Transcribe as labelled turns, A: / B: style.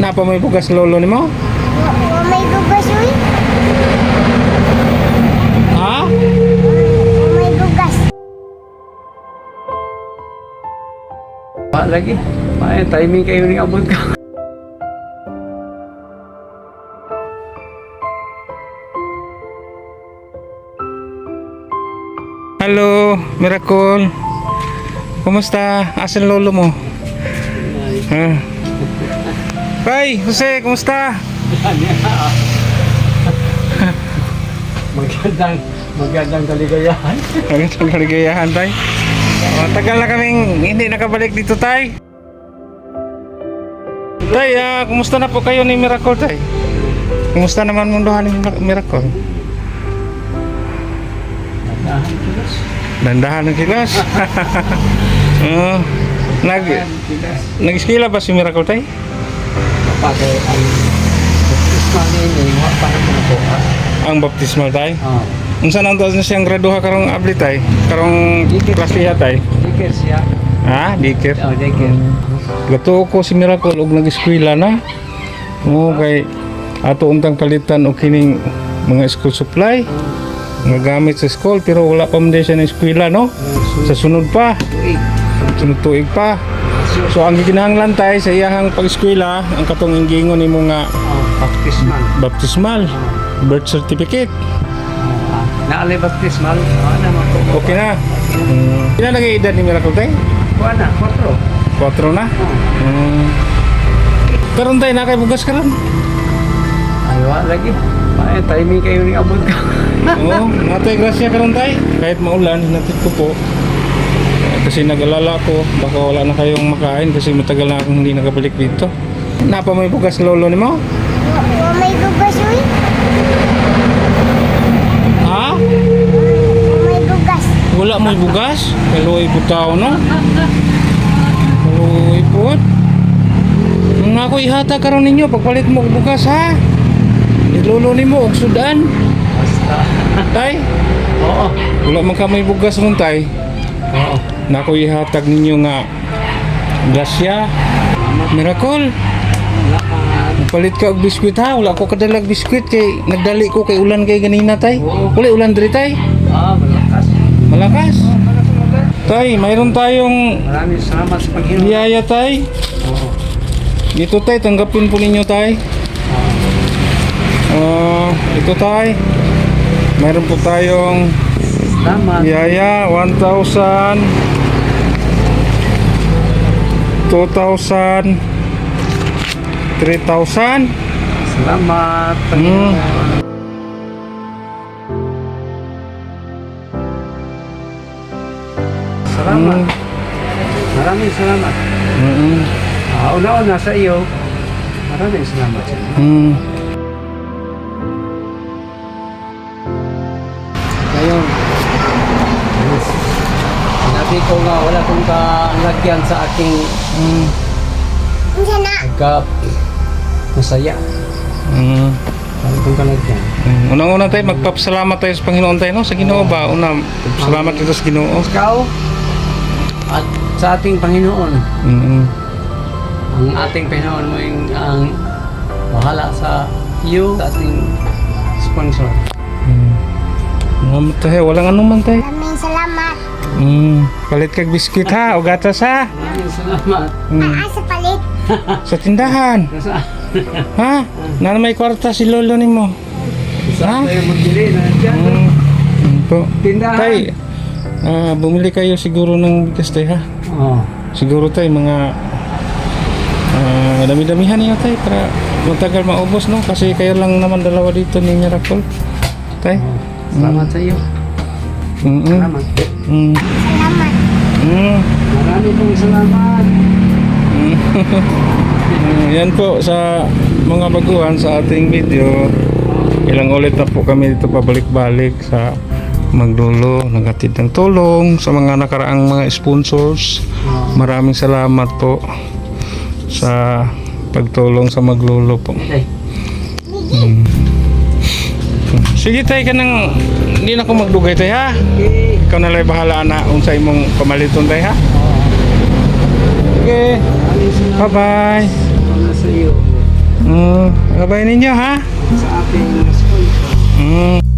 A: Napa may bugas lolo nimo?
B: Wa may bugas uy.
A: Ha?
B: Wa may bugas.
C: Lagi. May timing kayo ni abot ka.
A: Halo, Miracle. Kumusta? Asan lolo mo? Ha? Tay, Jose, kumusta?
C: Magandang kaligayahan.
A: Magandang kaligayahan, tay. Tagal na kaming hindi nakabalik dito, tay. Tay, kumusta na po kayo ni Miracle, tay? Kumusta naman munduhan ni Miracle? Dandahan ng kilos. Nag-skila ba si Miracle, tay?
C: Pagay ang baptismal ni para po.
A: Ang baptismal, tay?
C: Oh.
A: Unsa nang taon na siyang graduha karong abli, tay? Karong klasiya, tay?
C: Dikir siya.
A: Ha? Dikit?
C: Oh, dikir.
A: Gato ko si Miracle og nag-eskwela na. Oo, kay ato untang palitan og kining mga school supply nga gamit sa school, pero wala pa man din siya ng eskwela, no? Sa sunod pa, sunod tuig pa. So ang gikinahanglan tay sa iyahang pag-eskwela, ang katong inggingon nimo nga
C: Baptismal.
A: baptismal, birth certificate.
C: Naalay baptismal. Ano naman po?
A: Okay na. Pila na kay edad ni Miracle, tay?
C: Kuha na, 4.
A: 4 na. Karon tay na kay bugas karon.
C: Aywa lagi. May timing kayo ni abot ka.
A: Oo, natay grasya karon tay. Kahit maulan, natid ko po. Kasi nag-alala ko, baka wala na kayong makain kasi matagal na akong hindi nakabalik dito. Napa may bugas lolo nimo?
B: Wa may bugas uy.
A: Ha?
B: Wa may bugas.
A: Wala may bugas? Kaluoy butaw, no? Kaluoy po. Nung ako ihata karon ninyo, pagpalit mo og bugas, ha? Ilolo nimo og sudan.
C: Basta.
A: Tay,
C: Oo.
A: wala man ka may bugas ron, tay.
C: Oo.
A: Nako ihatag ninyo nga grasya. Miracle. Palit ka og biskwit, ha? Wala ko kadalag biskwit kay nagdali ko kay ulan kay ganina, tay. Wala ulan diri, tay.
C: Malakas.
A: Malakas. Tay, mayroon tayong
C: Maraming salamat sa Panginoon.
A: biyaya, tay.
C: Oo.
A: Dito, tay, tanggapin po ninyo, tay. Ito, tay. Mayroon po tayong
C: Salamat.
A: biyaya, 1,000, 2,000, 3,000.
C: Salamat. Panginoon. Salamat. Maraming salamat. Una-una sa iyo. Maraming salamat sa iyo. Ngayon, sinabi ko nga wala kong kalagyan sa aking
B: Unsa na?
C: masaya. Wala kong kalagyan.
A: Unang-una, tay, magpapasalamat tayo sa Panginoon, tay, no? Sa Ginoo ba? Una, salamat dito sa Ginoo.
C: Ikaw at sa ating Panginoon. Ang ating Panginoon mo yung ang bahala sa iyo, sa ating sponsor.
A: Tay, walang anuman, tay.
B: Maraming salamat.
A: Palit kag biskwit, ha? O gatas, ha?
C: Maraming salamat.
B: Naa sa palit.
A: Sa tindahan.
C: Sa
A: Ha? Na may kwarta si lolo nimo. Ha?
C: tayo magbili na dyan.
A: Po.
C: Tindahan.
A: Tay, bumili kayo siguro ng bigas, tay, ha?
C: Oo.
A: Siguro, tay, mga dami-damihan niyo, tay, para matagal maubos, no? Kasi kayo lang naman dalawa dito ni Miracle, tay.
C: Salamat sa iyo. Salamat.
B: Salamat.
C: Marami pong salamat.
A: Yan po sa mga baguhan sa ating video. Ilang ulit na po kami dito pabalik-balik sa Maglulo, naghatid ng tulong sa mga nakaraang mga sponsors. Maraming salamat po sa pagtulong sa Maglulo po.
C: Okay.
A: Sige, tay, ka nang hindi na ko magdugay, tay, ha?
C: Okay.
A: Ikaw na lang bahala na unsay mong pamaliton, tay, ha? Okay,
C: Maraming salamat.
A: bye-bye.
C: Salamat sa iyo.
A: Gabay ninyo ha.
C: sa ating school.
A: Mm.